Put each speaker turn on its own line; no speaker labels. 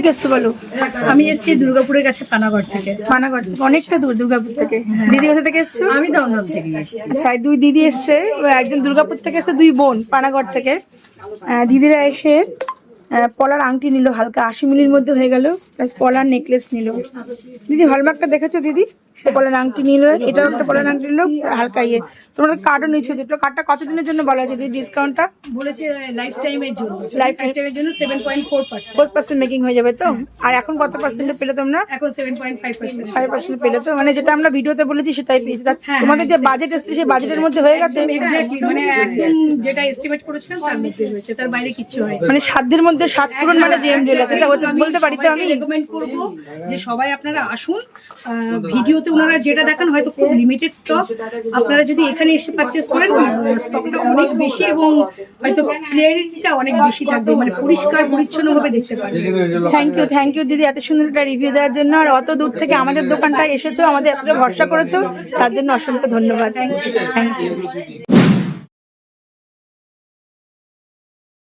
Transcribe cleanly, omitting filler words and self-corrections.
থেকে এসছো বলো?
আমি এসেছি দুর্গাপুরের কাছে পানাগড় থেকে।
পানাগড় থেকে অনেকটা দূর দুর্গাপুর থেকে। দিদি কোথা থেকে এসছো?
আমি দমদম থেকে এসেছি।
আচ্ছা, দুই দিদি এসছে, একজন দুর্গাপুর থেকে এসছে, দুই বোন পানাগড় থেকে। দিদিরা এসে পলার আংটি নিল, হালকা 80 মিলির মধ্যে হয়ে গেল, প্লাস পলার নেকলেস নিল। দিদি হলমার্কটা দেখেছো দিদি? পলার আংটি নিল, এটাও একটা পলার আংটি নিল, হালকা ইয়ে। তোমাদের কার্ডও নিচ্ছে, দুটো কার্ডটা কতদিনের জন্য বলা আছে দিদি ডিসকাউন্টটা?
বলেছে লাইফ টাইমের জন্য,
লাইফ
লাইফ টাইমের জন্য 7.4%।
4% মেকিং হয়ে যাবে তো? আর এখন কত পার্সেন্টে পেলে তোমরা?
এখন 7.5%।
5% পেলে তো? মানে যেটা আমরা ভিডিওতে বলেছি সেটাই পেয়েছি।
হ্যাঁ,
তোমাদের যে বাজেট এসেছে সেই বাজেটের মধ্যে হয়ে গেছে?
এক্স্যাক্টলি, মানে একদম যেটা এস্টিমেট করেছিলাম তার মধ্যে হয়েছে, তার বাইরে কিচ্ছু হয়নি।
মানে সাধ্যের মধ্যে সাত পূরণ, মানে জেম জুয়েলার্স, এটা বলতে পারি তো আমি?
রেকমেন্ড করব যে সবাই আপনারা আসুন। ভিডিওতে ওনারা যেটা দেখান হয়তো খুব লিমিটেড স্টক, আপনারা যদি এখানে এসে পারচেজ করেন স্টকটা অনেক বেশি এবং হয়তো ক্লিয়ারিটিটা অনেক বেশি থাকবে, মানে পরিষ্কার পরিচ্ছন্ন ভাবে দেখতে পারবেন।
থ্যাংক ইউ দিদি এত সুন্দর একটা রিভিউ দেওয়ার জন্য, আর অত দূর থেকে আমাদের দোকানটায় এসেছো, আমাদের এতটা ভরসা করেছো, তার জন্য অসংখ্য ধন্যবাদ। Thank you.